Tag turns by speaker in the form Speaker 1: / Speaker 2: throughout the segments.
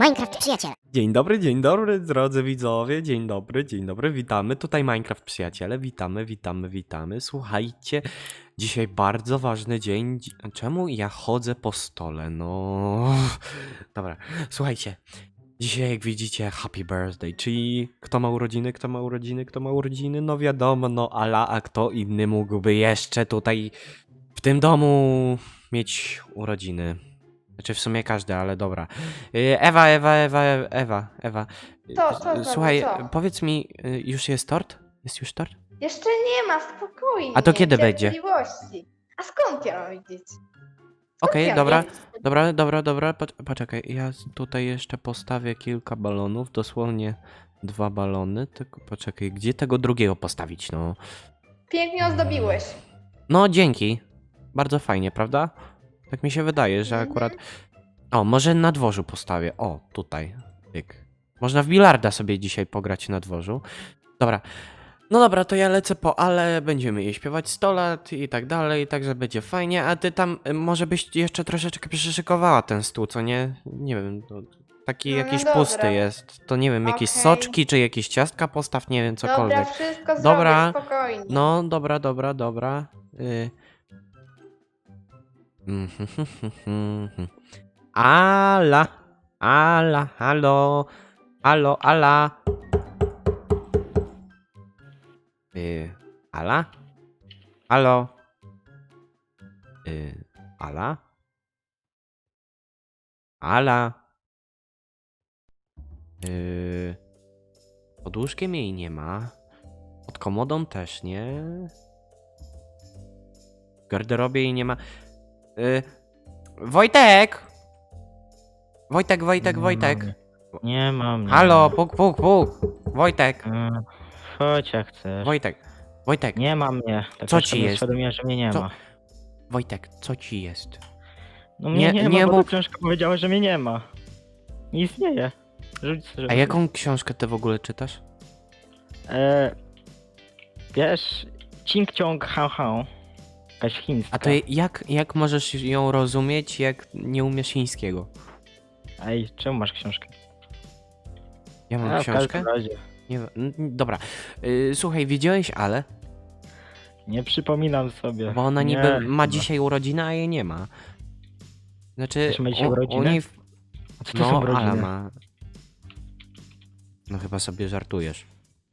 Speaker 1: Minecraft przyjaciele.
Speaker 2: Dzień dobry drodzy widzowie, dzień dobry, witamy, tutaj Minecraft przyjaciele, witamy, słuchajcie, dzisiaj bardzo ważny dzień, czemu ja chodzę po stole, no, dobra, słuchajcie, dzisiaj jak widzicie happy birthday, czyli kto ma urodziny, no wiadomo, no ala, a kto inny mógłby jeszcze tutaj w tym domu mieć urodziny. Znaczy w sumie każdy, ale dobra. Ewa.
Speaker 3: Co znowu,
Speaker 2: Słuchaj,
Speaker 3: co?
Speaker 2: powiedz mi, już jest tort? Jest już tort?
Speaker 3: Jeszcze nie ma, spokojnie.
Speaker 2: A to kiedy będzie?
Speaker 3: Cierpliwości. A skąd ja mam wiedzieć?
Speaker 2: Okej,
Speaker 3: ja
Speaker 2: dobra,
Speaker 3: wiem?
Speaker 2: dobra, poczekaj, ja tutaj jeszcze postawię kilka balonów, dosłownie 2 balony, tylko poczekaj, gdzie tego drugiego postawić, no?
Speaker 3: Pięknie ozdobiłeś.
Speaker 2: No, dzięki, bardzo fajnie, prawda? Tak mi się wydaje, że akurat... O, może na dworzu postawię, o, tutaj, tyk. Można w bilarda sobie dzisiaj pograć na dworzu. Dobra. No dobra, to ja lecę po Ale, będziemy jej śpiewać 100 lat i tak dalej, także będzie fajnie, a ty tam może byś jeszcze troszeczkę przyszykowała ten stół, co nie? Nie wiem, to taki
Speaker 3: No, no
Speaker 2: jakiś
Speaker 3: dobra.
Speaker 2: pusty jest, to nie wiem, jakieś
Speaker 3: Okej.
Speaker 2: soczki czy jakieś ciastka postaw, nie wiem,
Speaker 3: Dobra,
Speaker 2: cokolwiek.
Speaker 3: wszystko
Speaker 2: Dobra.
Speaker 3: zrobię, spokojnie.
Speaker 2: No, dobra. Ala, halo, Ala. Ala? Halo? Ala? Ala? Pod łóżkiem jej nie ma. Pod komodą też nie. W garderobie jej nie ma. Wojtek! Wojtek.
Speaker 4: Nie mam.
Speaker 2: Halo, puk. Wojtek.
Speaker 4: Chodź jak chcesz.
Speaker 2: Wojtek.
Speaker 4: Nie ma mnie. Tak
Speaker 2: Co
Speaker 4: aż
Speaker 2: ci
Speaker 4: sobie
Speaker 2: jest?
Speaker 4: uświadomiłem, że mnie nie
Speaker 2: Co?
Speaker 4: ma.
Speaker 2: Wojtek, co ci jest?
Speaker 4: No mnie
Speaker 2: Nie-
Speaker 4: nie,
Speaker 2: nie
Speaker 4: ma, bo
Speaker 2: mów-
Speaker 4: ta książka powiedziała, że mnie nie ma. Nie istnieje. Rzuć sobie.
Speaker 2: A jaką książkę ty w ogóle czytasz?
Speaker 4: Wiesz, Ching Chong Han Han. Jakaś chińska.
Speaker 2: A to jak możesz ją rozumieć, jak nie umiesz chińskiego?
Speaker 4: Ej, czemu masz książkę?
Speaker 2: Ja mam
Speaker 4: A, w
Speaker 2: książkę?
Speaker 4: każdym razie.
Speaker 2: Nie, dobra. Słuchaj, widziałeś Ale?
Speaker 4: Nie przypominam sobie.
Speaker 2: Bo ona
Speaker 4: Nie,
Speaker 2: niby ma
Speaker 4: chyba.
Speaker 2: dzisiaj urodziny, a jej nie ma. Znaczy,
Speaker 4: Też ma dzisiaj
Speaker 2: u
Speaker 4: urodziny?
Speaker 2: niej...
Speaker 4: A co to
Speaker 2: No,
Speaker 4: są
Speaker 2: Ale
Speaker 4: rodziny?
Speaker 2: ma... No chyba sobie żartujesz.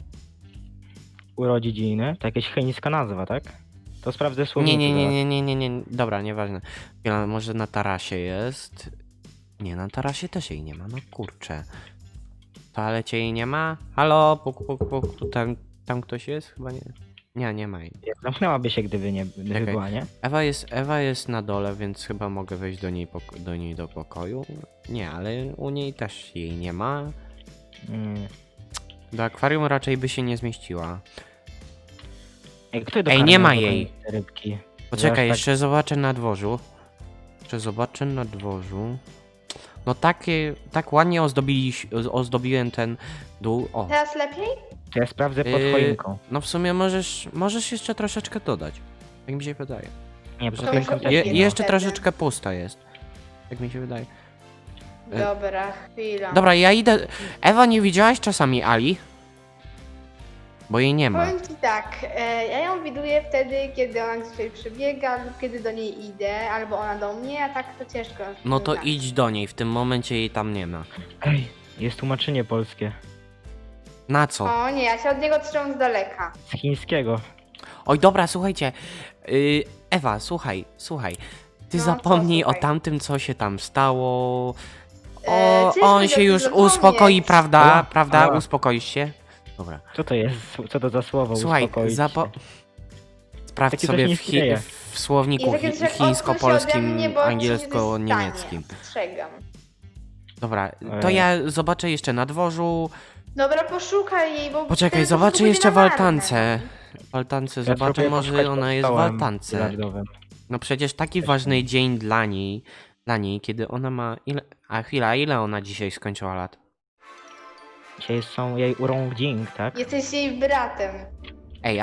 Speaker 4: Urodziny? To jakaś chińska nazwa, tak? To sprawdzę słownik.
Speaker 2: Nie. Dobra, nieważne. Chwila, może na tarasie jest? Nie, na tarasie też jej nie ma, no kurczę. W toalecie jej nie ma? Halo, puk. Tu tam ktoś jest? Chyba nie. Nie ma jej.
Speaker 4: Zamknęłaby się, gdyby nie gdyby
Speaker 2: Czekaj.
Speaker 4: była, nie?
Speaker 2: Ewa jest na dole, więc chyba mogę wejść do niej do pokoju. Nie, ale u niej też jej nie ma. Do akwarium raczej by się nie zmieściła.
Speaker 4: Ej, kto
Speaker 2: Ej,
Speaker 4: dokarmiał
Speaker 2: nie ma
Speaker 4: w ogóle
Speaker 2: jej.
Speaker 4: te rybki?
Speaker 2: Poczekaj,
Speaker 4: Zaraz
Speaker 2: jeszcze zobaczę na dworzu. No tak ładnie ozdobiłem ten dół. O,
Speaker 3: Teraz lepiej?
Speaker 4: To ja sprawdzę pod
Speaker 2: Yy,
Speaker 4: choinką.
Speaker 2: no w sumie możesz jeszcze troszeczkę dodać. Tak mi się wydaje.
Speaker 4: Nie,
Speaker 2: że
Speaker 4: pod
Speaker 3: to
Speaker 4: choinką
Speaker 3: już
Speaker 4: też
Speaker 3: lepiej.
Speaker 4: nie ma.
Speaker 2: Jeszcze
Speaker 3: wtedy.
Speaker 2: troszeczkę pusta jest. Tak mi się wydaje.
Speaker 3: Dobra, chwila.
Speaker 2: Dobra, ja idę. Ewa, nie widziałaś czasami Ali? Bo jej nie ma.
Speaker 3: Powiem ci tak, ja ją widuję wtedy, kiedy ona gdzieś przebiega lub kiedy do niej idę, albo ona do mnie, a tak to ciężko.
Speaker 2: No to
Speaker 3: znać.
Speaker 2: idź do niej, w tym momencie jej tam nie ma.
Speaker 4: Ej, jest tłumaczenie polskie.
Speaker 2: Na co?
Speaker 3: O nie, ja się od niego trzymam z daleka.
Speaker 4: Z chińskiego.
Speaker 2: Oj, dobra, słuchajcie. Ewa, słuchaj. Ty
Speaker 3: No,
Speaker 2: zapomnij
Speaker 3: co,
Speaker 2: o
Speaker 3: słuchaj?
Speaker 2: tamtym, co się tam stało.
Speaker 3: Ciężko
Speaker 2: On
Speaker 3: mi
Speaker 2: się
Speaker 3: o tym
Speaker 2: już
Speaker 3: zapomnieć.
Speaker 2: uspokoi, prawda?
Speaker 4: O,
Speaker 2: Prawda?
Speaker 4: o.
Speaker 2: Uspokoisz się? Dobra.
Speaker 4: Co to jest? Co to za słowo?
Speaker 2: Słuchaj,
Speaker 4: uspokoić się?
Speaker 2: sprawdź
Speaker 4: Takie
Speaker 2: sobie
Speaker 4: coś nie istnieje.
Speaker 2: w słowniku
Speaker 3: I takie coś jak odsuń się ode
Speaker 2: chińsko-polskim,
Speaker 3: mnie, bo ci nie
Speaker 2: angielsko-niemieckim.
Speaker 3: dostanie. Strzegam.
Speaker 2: Dobra, to ja zobaczę jeszcze na dworzu.
Speaker 3: Dobra, poszukaj jej, bo...
Speaker 2: Poczekaj,
Speaker 3: wtedy
Speaker 2: zobaczę
Speaker 3: pójdę
Speaker 2: jeszcze
Speaker 3: na
Speaker 2: w
Speaker 3: marne.
Speaker 2: altance. W altance
Speaker 4: Ja
Speaker 2: zobaczę,
Speaker 4: spróbuję
Speaker 2: może
Speaker 4: poszukać
Speaker 2: ona
Speaker 4: pod
Speaker 2: jest w
Speaker 4: stołem
Speaker 2: altance.
Speaker 4: bilardowym.
Speaker 2: No przecież taki ważny dzień dla niej, kiedy ona ma... ile ona dzisiaj skończyła lat?
Speaker 4: Dzisiaj są jej urągding, tak?
Speaker 3: Jesteś jej bratem.
Speaker 2: Ej,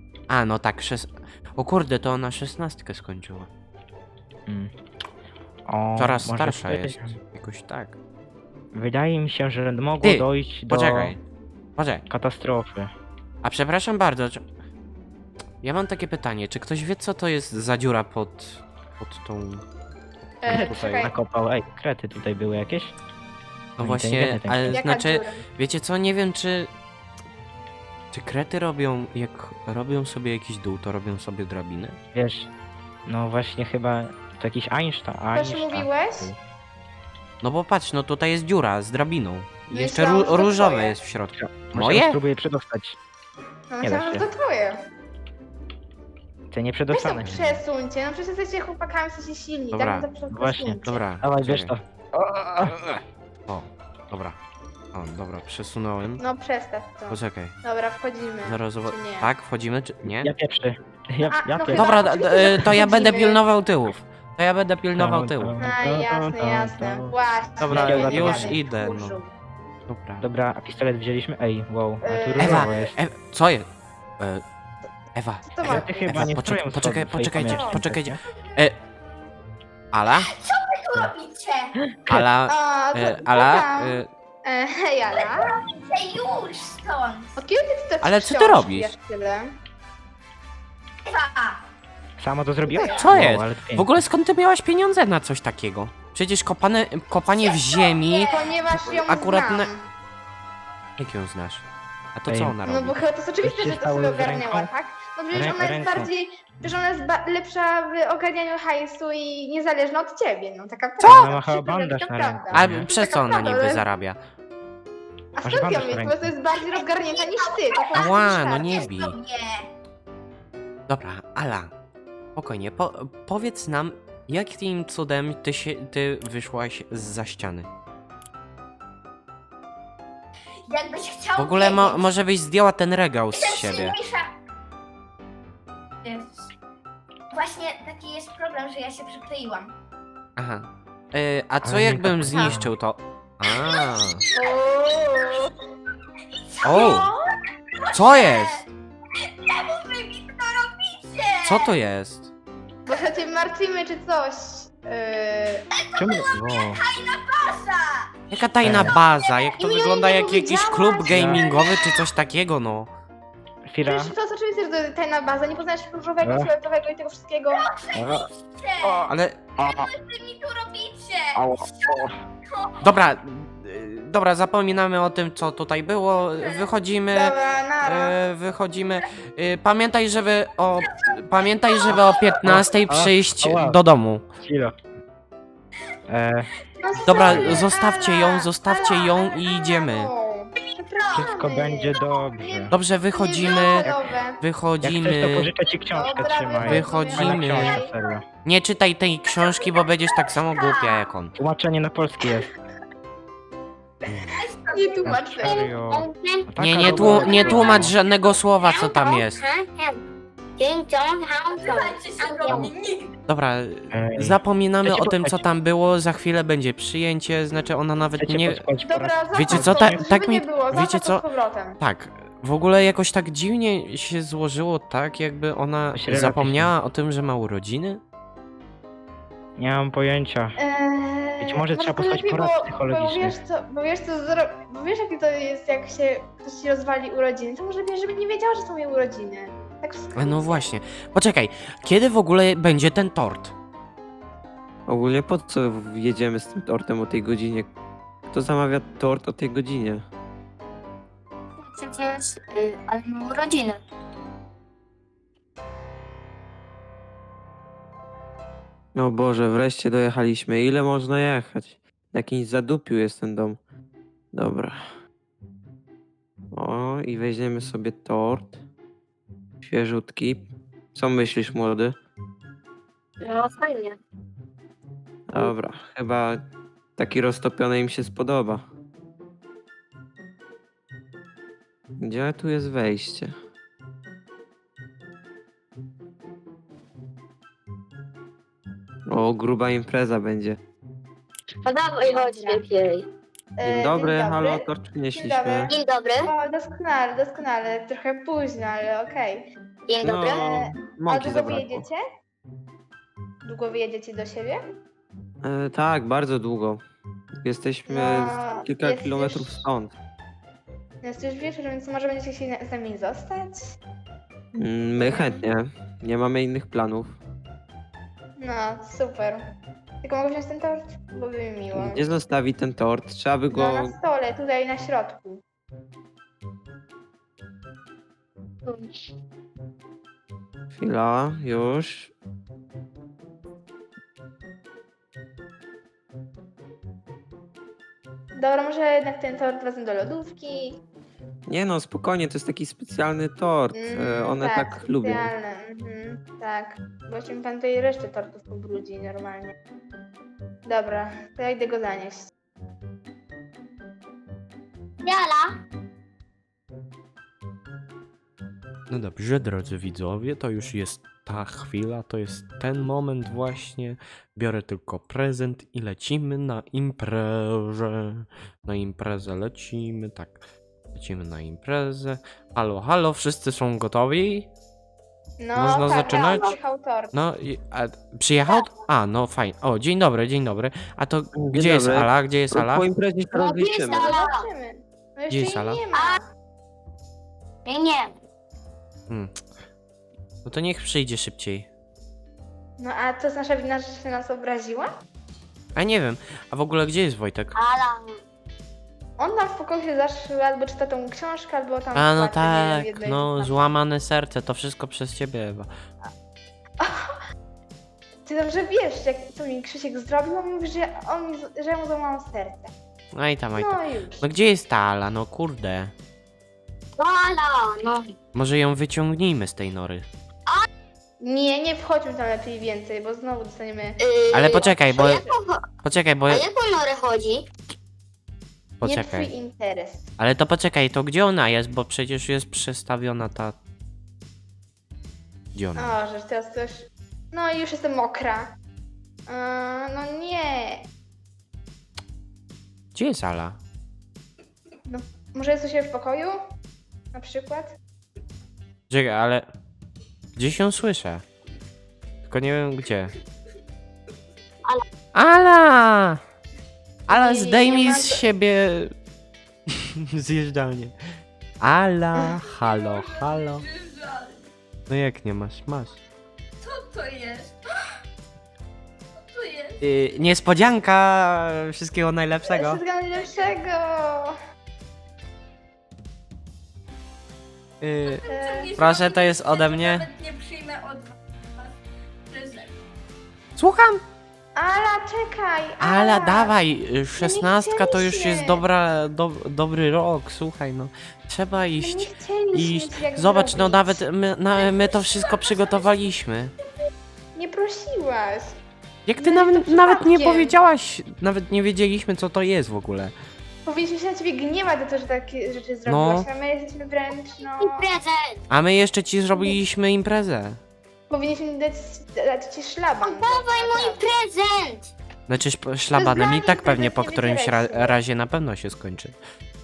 Speaker 2: no tak, o kurde, to ona 16 skończyła.
Speaker 4: Mm. O,
Speaker 2: Coraz
Speaker 4: może
Speaker 2: starsza
Speaker 4: ty-
Speaker 2: jest. Jakoś tak.
Speaker 4: Wydaje mi się, że mogło
Speaker 2: Ty,
Speaker 4: dojść do
Speaker 2: Poczekaj. Poczekaj.
Speaker 4: katastrofy.
Speaker 2: A przepraszam bardzo. Ja mam takie pytanie. Czy ktoś wie, co to jest za dziura pod tą...
Speaker 4: Tutaj
Speaker 3: Czekaj,
Speaker 4: nakopał. Ej, krety tutaj były jakieś?
Speaker 2: No
Speaker 4: Oni
Speaker 2: właśnie,
Speaker 4: inteligentne ten
Speaker 2: ale
Speaker 3: jaka
Speaker 2: znaczy,
Speaker 3: dziura?
Speaker 2: wiecie co, nie wiem czy... Czy krety robią, jak robią sobie jakiś dół, to robią sobie drabinę?
Speaker 4: Wiesz, no właśnie chyba to jakiś Einstein.
Speaker 3: Też mówiłeś?
Speaker 2: No bo patrz, no tutaj jest dziura z drabiną. I
Speaker 3: No
Speaker 2: jeszcze
Speaker 3: myślałam, że to
Speaker 2: różowe
Speaker 3: twoje.
Speaker 2: jest w środku.
Speaker 4: Może
Speaker 2: Moje?
Speaker 4: spróbuję przedostać.
Speaker 3: No
Speaker 4: Nie da
Speaker 3: myślałam, że
Speaker 4: się.
Speaker 3: to twoje.
Speaker 4: Te nie
Speaker 3: Weź to
Speaker 4: przedostane.
Speaker 3: przesuńcie, no przecież jesteście chłopakami, jesteście silni,
Speaker 2: Dobra,
Speaker 3: tak? No to
Speaker 4: właśnie,
Speaker 3: przesuńcie.
Speaker 2: Dobra.
Speaker 4: Dawaj, bierz to.
Speaker 2: czekaj. O, dobra. O, dobra, przesunąłem.
Speaker 3: No przestaw to.
Speaker 2: Poczekaj,
Speaker 3: Dobra, wchodzimy.
Speaker 2: zaraz
Speaker 3: Czy nie?
Speaker 2: Tak, wchodzimy, czy nie?
Speaker 4: Ja pierwszy. Ja
Speaker 3: A, no
Speaker 4: pierwszy.
Speaker 3: chyba-
Speaker 2: Dobra,
Speaker 3: oczywiście, że
Speaker 2: to ja będę
Speaker 3: wchodzimy.
Speaker 2: pilnował tyłów. To ja będę pilnował tyłów.
Speaker 3: A, jasne, jasne. Właśnie.
Speaker 2: Dobra,
Speaker 3: nie
Speaker 4: już
Speaker 3: gadaj,
Speaker 2: idę, no.
Speaker 3: kurzu.
Speaker 2: Dobra.
Speaker 4: Dobra, a pistolet wzięliśmy? Ej, wow, a tu
Speaker 3: Ewa,
Speaker 4: różowo jest.
Speaker 2: Co jest? Ewa,
Speaker 3: Co to
Speaker 2: Ewa,
Speaker 3: ma
Speaker 4: Ty
Speaker 3: być?
Speaker 4: chyba nie
Speaker 2: poczekaj,
Speaker 4: stroją
Speaker 2: poczekaj,
Speaker 4: swojej
Speaker 2: poczekajcie,
Speaker 4: pamięci,
Speaker 2: poczekajcie.
Speaker 4: nie?
Speaker 2: Ala?
Speaker 1: Co robicie?
Speaker 2: Ala,
Speaker 3: A, to,
Speaker 2: Ala,
Speaker 3: tam. Hej, Ala.
Speaker 1: Chcę już stąd!
Speaker 3: Od kiedy ty to
Speaker 2: Ale co ty
Speaker 3: książki
Speaker 2: robisz?
Speaker 3: jak tyle?
Speaker 1: Ewa!
Speaker 4: Samo to zrobiłaś?
Speaker 2: Co
Speaker 4: Wow,
Speaker 2: jest?
Speaker 4: ale to
Speaker 2: W
Speaker 4: pięknie.
Speaker 2: ogóle skąd ty miałaś pieniądze na coś takiego? Przecież kopanie w ziemi...
Speaker 3: Ponieważ ją
Speaker 2: Akurat
Speaker 3: znam.
Speaker 2: na- Jak ją znasz? A to
Speaker 4: Ej.
Speaker 2: co ona
Speaker 3: No
Speaker 2: robi?
Speaker 3: bo chyba to jest oczywiste,
Speaker 4: Coś się
Speaker 3: że to
Speaker 4: stało
Speaker 3: sobie
Speaker 4: z
Speaker 3: ogarniała,
Speaker 4: ręką?
Speaker 3: tak? No przecież ona jest
Speaker 4: Ręką.
Speaker 3: bardziej, przecież ona jest lepsza w ogarnianiu hajsu i niezależna od ciebie, no taka
Speaker 2: Co?
Speaker 3: prawda.
Speaker 4: Ona ma chyba
Speaker 3: Przykro, że
Speaker 4: bandaż
Speaker 3: to
Speaker 4: na
Speaker 3: prawda.
Speaker 4: ręku.
Speaker 2: A
Speaker 4: nie?
Speaker 2: przez co
Speaker 3: Taka
Speaker 2: ona
Speaker 3: prawda,
Speaker 2: niby
Speaker 3: ale-
Speaker 2: zarabia?
Speaker 3: A
Speaker 4: Masz
Speaker 3: skąd
Speaker 4: bandaż
Speaker 3: ją
Speaker 4: na
Speaker 3: mieć?
Speaker 4: ręku.
Speaker 3: Bo to jest bardziej rozgarnięta niż ty. To po prostu
Speaker 2: Ała, no
Speaker 3: tak.
Speaker 2: nie bij.
Speaker 1: Nie!
Speaker 2: Dobra, Ala, spokojnie, powiedz nam, jakim cudem ty wyszłaś zza ściany?
Speaker 1: Jakbyś chciał
Speaker 2: W ogóle
Speaker 1: wiedzieć,
Speaker 2: może byś zdjęła ten regał z
Speaker 1: jestem
Speaker 2: siebie.
Speaker 1: silniejsza. Jezus. Właśnie taki jest problem, że ja się przykleiłam.
Speaker 2: Aha. A co
Speaker 4: Ale nie
Speaker 2: jakbym
Speaker 4: tak-
Speaker 2: zniszczył to? A.
Speaker 3: Ooo.
Speaker 2: O! Co jest?
Speaker 1: Czemu wy mi to robicie?
Speaker 2: Co to jest?
Speaker 3: Bo się cię martwimy czy coś.
Speaker 4: Czemu? Wow.
Speaker 1: Pasza!
Speaker 2: Jaka tajna baza? Jak to
Speaker 3: Nie,
Speaker 2: wygląda
Speaker 3: nie
Speaker 2: jak jakiś
Speaker 3: powiedziałaś.
Speaker 2: klub gamingowy czy coś takiego, no?
Speaker 4: Chwila.
Speaker 3: Przecież to jest oczywiste, że to tajna baza. Nie poznajesz różowego,
Speaker 4: E?
Speaker 3: fioletowego i tego wszystkiego.
Speaker 2: Ale
Speaker 1: Wy mi tu robicie!
Speaker 2: dobra, dobra, zapominamy o tym, co tutaj było. Wychodzimy.
Speaker 3: Dobra, nara.
Speaker 2: Wychodzimy. Pamiętaj, żeby o 15 przyjść
Speaker 4: ała.
Speaker 2: do domu.
Speaker 4: Chwila.
Speaker 3: No
Speaker 2: Dobra,
Speaker 3: sorry,
Speaker 2: zostawcie
Speaker 3: Ala,
Speaker 2: ją, zostawcie
Speaker 3: Ala,
Speaker 2: ją
Speaker 3: Ala,
Speaker 2: i idziemy.
Speaker 3: no.
Speaker 4: Wszystko
Speaker 3: Przepraszamy.
Speaker 4: będzie dobrze.
Speaker 2: Dobrze, wychodzimy.
Speaker 3: Niedobre.
Speaker 4: Jak chcesz, to
Speaker 2: Wychodzimy.
Speaker 4: pożyczę ci książkę,
Speaker 3: Dobra,
Speaker 4: trzymaj.
Speaker 2: Wychodzimy.
Speaker 4: Fajna książka, serio.
Speaker 2: Nie czytaj tej książki, bo będziesz tak samo głupia jak on.
Speaker 4: Tłumaczenie na polski jest.
Speaker 3: Nie tłumacz tego.
Speaker 4: Serio. Taka
Speaker 2: Nie
Speaker 4: dobra-
Speaker 2: tłumacz żadnego słowa, co tam jest.
Speaker 1: Słuchajcie się do mnie nigdy!
Speaker 2: Dobra,
Speaker 4: Ej.
Speaker 2: zapominamy
Speaker 4: Chcecie
Speaker 2: o tym, co
Speaker 4: pospać?
Speaker 2: tam było. Za chwilę będzie przyjęcie, znaczy ona nawet
Speaker 4: Chcecie
Speaker 2: nie.
Speaker 4: pospać po raz-
Speaker 3: Dobra,
Speaker 2: Wiecie
Speaker 3: zapraszam
Speaker 2: co,
Speaker 3: to,
Speaker 2: tak
Speaker 3: żeby
Speaker 2: mi-
Speaker 3: nie było,
Speaker 2: wiecie
Speaker 3: zapraszam
Speaker 2: co?
Speaker 3: z powrotem.
Speaker 2: Tak. W ogóle jakoś tak dziwnie się złożyło, tak jakby ona
Speaker 4: Myślę, że
Speaker 2: zapomniała o tym, że ma urodziny.
Speaker 4: Nie mam pojęcia. Być może trzeba posłać
Speaker 3: lepiej,
Speaker 4: porad
Speaker 3: bo
Speaker 4: psychologicznych.
Speaker 3: bo wiesz jaki to jest, jak się ktoś ci rozwali urodziny, to może wiesz, żeby nie wiedziała, że są jej urodziny. Tak w
Speaker 2: A no właśnie. Poczekaj, kiedy w ogóle będzie ten tort?
Speaker 5: Ogólnie po co jedziemy z tym tortem o tej godzinie? Kto zamawia tort o tej godzinie?
Speaker 6: Przecież, ale mam urodziny.
Speaker 5: O Boże, wreszcie dojechaliśmy. Ile można jechać? Na jakimś zadupiu jest ten dom. Dobra. O, i weźmiemy sobie tort. Świeżutki. Co myślisz, młody?
Speaker 6: No fajnie.
Speaker 5: Dobra, chyba taki roztopiony im się spodoba. Gdzie tu jest wejście? O, gruba impreza będzie.
Speaker 6: No dawaj, chodź lepiej.
Speaker 5: Dzień dobry, halo, tort przynieśliśmy.
Speaker 3: dobry.
Speaker 6: Dzień dobry.
Speaker 3: O, doskonale, doskonale. Trochę późno, ale okej.
Speaker 6: Dzień dobry.
Speaker 5: No,
Speaker 3: A
Speaker 5: mąki
Speaker 3: długo
Speaker 5: zabrakło.
Speaker 3: wyjedziecie? Długo wyjedziecie do siebie?
Speaker 5: Tak, bardzo długo. Jesteśmy
Speaker 3: No,
Speaker 5: kilka
Speaker 3: jest
Speaker 5: kilometrów
Speaker 3: już-
Speaker 5: stąd.
Speaker 3: Jest już wieczór, więc może będziecie chcieli z nami zostać?
Speaker 5: My chętnie. Nie mamy innych planów.
Speaker 3: No, super. Tylko mogę wziąć ten tort? Byłoby mi miło.
Speaker 5: Gdzie zostawi ten tort? Trzeba by go...
Speaker 3: No, na stole, tutaj na środku.
Speaker 5: Chwila, już.
Speaker 3: Dobra, może jednak ten tort wezmę do lodówki.
Speaker 5: Nie no, spokojnie, to jest taki specjalny tort. One tak lubią.
Speaker 3: specjalne, tak. Właśnie mi pan tutaj resztę tortów pobrudzi normalnie. Dobra, to ja idę go zanieść.
Speaker 6: Jala.
Speaker 2: No dobrze, drodzy widzowie, to już jest ta chwila, to jest ten moment właśnie. Biorę tylko prezent i lecimy na imprezę. Na imprezę lecimy, tak. Lecimy na imprezę. Halo, halo, wszyscy są gotowi?
Speaker 3: No,
Speaker 2: Można
Speaker 3: tak,
Speaker 2: zaczynać?
Speaker 3: przyjechał tort.
Speaker 2: No, przyjechał? A, no fajnie. O, dzień dobry, dzień dobry. A to gdzie jest
Speaker 5: dobry.
Speaker 2: Ala? Gdzie jest Ala?
Speaker 5: Po imprezie się
Speaker 6: No,
Speaker 5: rozliczymy.
Speaker 6: jest Ala.
Speaker 3: Zobaczymy. No
Speaker 2: Gdzie
Speaker 3: jeszcze
Speaker 2: jest
Speaker 3: jej
Speaker 2: Ala?
Speaker 3: nie ma.
Speaker 6: Nie.
Speaker 2: Hmm. No to niech przyjdzie szybciej.
Speaker 3: No a to jest nasza wina, że się nas obraziła?
Speaker 2: A nie wiem, a w ogóle gdzie jest Wojtek?
Speaker 6: Ala.
Speaker 3: On tam w pokoju się zaszły, albo czyta tą książkę, albo tam...
Speaker 2: A no
Speaker 3: płacze, nie wiem,
Speaker 2: tak,
Speaker 3: jedno i
Speaker 2: no
Speaker 3: drugie.
Speaker 2: złamane serce, to wszystko przez ciebie, Ewa.
Speaker 3: Ty dobrze wiesz, jak to mi Krzysiek zrobił, on mówi, że że mu złamał serce.
Speaker 2: No i tam, i tam.
Speaker 3: No już.
Speaker 2: No gdzie jest ta Ala? No kurde.
Speaker 6: No Ala. No.
Speaker 2: Może ją wyciągnijmy z tej nory.
Speaker 3: Nie, nie wchodźmy tam lepiej więcej, bo znowu dostaniemy...
Speaker 2: Ale poczekaj, bo...
Speaker 6: A jaką,
Speaker 2: Poczekaj, bo...
Speaker 6: a jaką norę chodzi?
Speaker 3: Nie
Speaker 2: Poczekaj.
Speaker 3: twój interes.
Speaker 2: Ale to poczekaj, to gdzie ona jest? Bo przecież jest przestawiona ta... Gdzie ona?
Speaker 3: O, że teraz coś... No i już jestem mokra. No nie.
Speaker 2: Gdzie jest Ala?
Speaker 3: Może jest u siebie w pokoju? Na przykład?
Speaker 2: Czekaj, ale... Gdzieś ją słyszę. Tylko nie wiem gdzie. Ala! Ala,
Speaker 3: Nie, nie,
Speaker 2: zdejmij
Speaker 3: nie ma
Speaker 2: z
Speaker 3: to-
Speaker 2: siebie... Zjeżdżalnię. Ala, halo, halo. No jak nie masz? Masz.
Speaker 1: Co to jest? Co to jest?
Speaker 2: Niespodzianka, wszystkiego najlepszego.
Speaker 3: Wszystkiego najlepszego!
Speaker 2: Proszę, to jest ode mnie.
Speaker 1: Nawet nie przyjmę od was prezent.
Speaker 2: Słucham?
Speaker 3: Ala, czekaj!
Speaker 2: Ala, dawaj, 16 to już
Speaker 3: chcieliśmy.
Speaker 2: jest dobry rok, słuchaj, no. Trzeba iść.
Speaker 3: Nie chcieliśmy
Speaker 2: Iść.
Speaker 3: ci jak
Speaker 2: Zobacz, no
Speaker 3: zrobić.
Speaker 2: nawet my to wszystko przygotowaliśmy.
Speaker 3: Nie prosiłaś.
Speaker 2: Jak ty
Speaker 3: No i to
Speaker 2: nawet nie
Speaker 3: przypadkiem.
Speaker 2: powiedziałaś, nawet nie wiedzieliśmy co to jest w ogóle.
Speaker 3: Powinniśmy się na ciebie gniewać za to, że takie rzeczy
Speaker 2: No.
Speaker 3: zrobiłaś, a my jesteśmy wręcz, no...
Speaker 6: I prezent.
Speaker 2: A my jeszcze ci zrobiliśmy imprezę.
Speaker 3: Powinniśmy dać ci szlaban.
Speaker 6: Dawaj mój prezent.
Speaker 2: Znaczy szlabanem i
Speaker 3: nami
Speaker 2: tak pewnie
Speaker 3: prezent
Speaker 2: po
Speaker 3: nie
Speaker 2: którymś
Speaker 3: wybieraj.
Speaker 2: razie na pewno się skończy.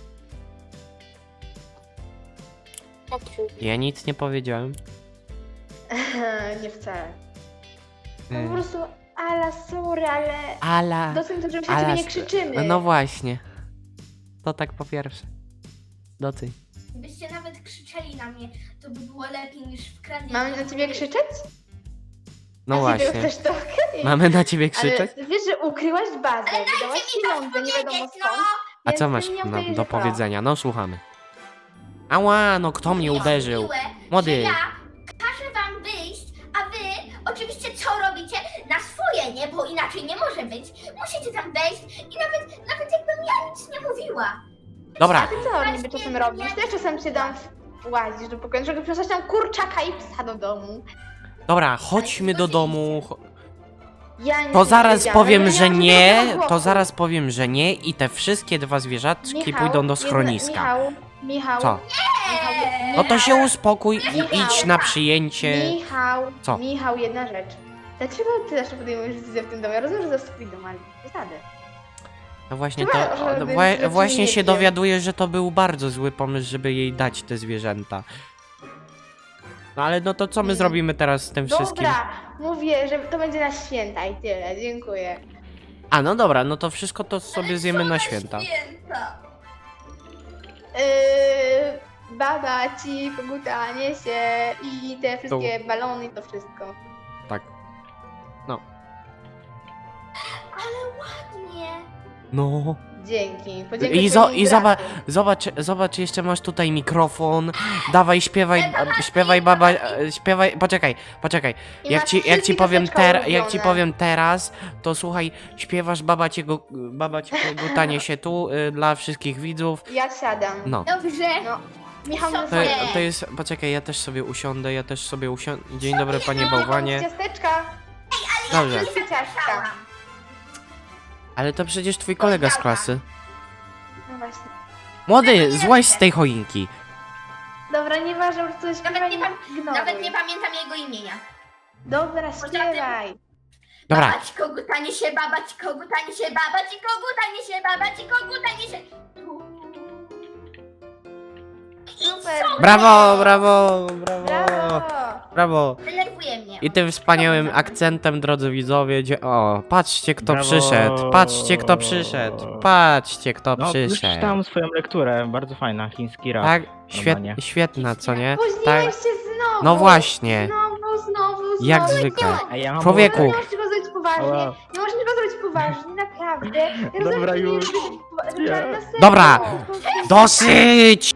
Speaker 2: Ja nic nie powiedziałem.
Speaker 3: Nie wcale. No
Speaker 2: Y,
Speaker 3: po prostu, Ala, sorry, ale...
Speaker 2: Ala,
Speaker 3: Doceń to, że się na
Speaker 2: Ala,
Speaker 3: ciebie nie krzyczymy.
Speaker 2: no właśnie. To tak po pierwsze. Doceń.
Speaker 1: Gdybyście nawet krzyczeli na mnie, to by było lepiej niż w kranie.
Speaker 3: Mamy na ciebie krzyczeć?
Speaker 2: No
Speaker 3: A ciebie
Speaker 2: właśnie.
Speaker 3: Też to okej.
Speaker 2: Mamy na ciebie krzyczeć?
Speaker 3: Ale wiesz, że ukryłaś bazę, wydałaś pieniądze, nie wiadomo
Speaker 1: powiedzieć,
Speaker 3: skąd.
Speaker 2: A
Speaker 3: więc
Speaker 2: co
Speaker 3: ty
Speaker 2: masz
Speaker 3: nie
Speaker 2: do
Speaker 3: obejrzyj
Speaker 2: powiedzenia? No słuchamy. Ała, no kto mnie uderzył?
Speaker 1: Miłe,
Speaker 2: Młody.
Speaker 1: że ja każę wam wyjść, a wy oczywiście co robicie? Na swoje, nie? Bo inaczej nie może być. Musicie tam wejść i nawet jakbym ja nic nie mówiła.
Speaker 3: A
Speaker 2: Dobra,
Speaker 3: ty co niby czasem robisz? Też czasem się dam łazisz do pokoju, żeby przysłać tam kurczaka i psa do domu.
Speaker 2: dobra, chodźmy do domu.
Speaker 3: Ja nic
Speaker 2: To
Speaker 3: nie
Speaker 2: zaraz
Speaker 3: powiedziałam,
Speaker 2: powiem,
Speaker 3: ale
Speaker 2: że
Speaker 3: ja
Speaker 2: nie.
Speaker 3: mam
Speaker 2: To
Speaker 3: głowy.
Speaker 2: zaraz powiem, że nie i te wszystkie dwa zwierzaczki
Speaker 3: Michał,
Speaker 2: pójdą do
Speaker 3: jedna-
Speaker 2: schroniska.
Speaker 3: Michał.
Speaker 2: Co?
Speaker 3: Michał,
Speaker 2: No to się uspokój i
Speaker 3: Michał.
Speaker 2: idź na przyjęcie.
Speaker 3: Michał,
Speaker 2: Co?
Speaker 3: Michał, jedna rzecz. Dlaczego ty zawsze podejmujesz decyzję w tym domie? Ja rozumiem, że to jest twój dom, ale zasady.
Speaker 2: No właśnie
Speaker 3: Chyba,
Speaker 2: to.
Speaker 3: że
Speaker 2: no
Speaker 3: bym
Speaker 2: właśnie się
Speaker 3: nie wiem.
Speaker 2: dowiaduję, że to był bardzo zły pomysł, żeby jej dać te zwierzęta. No ale no to co my zrobimy teraz z tym wszystkim?
Speaker 3: Dobra, mówię, że to będzie na święta i tyle. Dziękuję.
Speaker 2: A, no dobra, no to wszystko to sobie
Speaker 1: Ale
Speaker 2: zjemy
Speaker 1: co
Speaker 2: na święta.
Speaker 3: Babacik, kogutanie się i te wszystkie balony i to wszystko.
Speaker 2: Tak.
Speaker 1: Ale ładnie.
Speaker 2: No.
Speaker 3: Dzięki.
Speaker 2: I zobacz, jeszcze masz tutaj mikrofon. Dawaj, śpiewaj baba, śpiewaj, poczekaj. Jak ci powiem teraz, to słuchaj, śpiewasz babacie gutanie się tu dla wszystkich widzów.
Speaker 3: Ja siadam.
Speaker 2: No.
Speaker 1: Dobrze.
Speaker 3: No. Michał
Speaker 1: To-
Speaker 3: na
Speaker 1: to-
Speaker 2: To jest, poczekaj, ja też sobie usiądę. Dzień dobry, panie bałwanie.
Speaker 3: Ciasteczka.
Speaker 2: Dobrze,
Speaker 3: Ciastka.
Speaker 2: ale to przecież twój kolega z klasy.
Speaker 3: No właśnie.
Speaker 2: Młody, złaź z tej choinki.
Speaker 3: Dobra, nieważne, już coś
Speaker 1: Nawet nie,
Speaker 3: ignoruj.
Speaker 1: nawet nie pamiętam jego imienia.
Speaker 3: Dobra, śpiewaj.
Speaker 2: Dobra,
Speaker 1: Babać, kogutanie się, babać, kogutanie się, babać i kogutanie się, babać i kogutanie się.
Speaker 3: Super.
Speaker 2: brawo.
Speaker 3: Brawo.
Speaker 2: Brawo.
Speaker 1: Denerwuje mnie.
Speaker 2: I tym wspaniałym akcentem, drodzy widzowie, o, patrzcie kto
Speaker 4: Brawo.
Speaker 2: przyszedł, patrzcie kto przyszedł, patrzcie kto
Speaker 4: No, już
Speaker 2: przyszedł.
Speaker 4: czytałem swoją lekturę, bardzo fajna, chiński rap.
Speaker 2: Tak,
Speaker 4: normalnie.
Speaker 2: świetna, co nie?
Speaker 3: Spóźniłeś
Speaker 2: Tak,
Speaker 3: się znowu.
Speaker 2: no właśnie,
Speaker 3: Znowu.
Speaker 2: jak zwykle.
Speaker 4: A ja mam
Speaker 2: Człowieku.
Speaker 3: Nie możesz tego zrobić poważnie.
Speaker 4: Ała.
Speaker 3: Nie możesz tego zrobić poważnie, naprawdę. Ja
Speaker 4: Dobra,
Speaker 3: rozumiem, że
Speaker 4: już.
Speaker 3: nie-
Speaker 4: Nie.
Speaker 3: na serio.
Speaker 2: Dobra. Dosyć!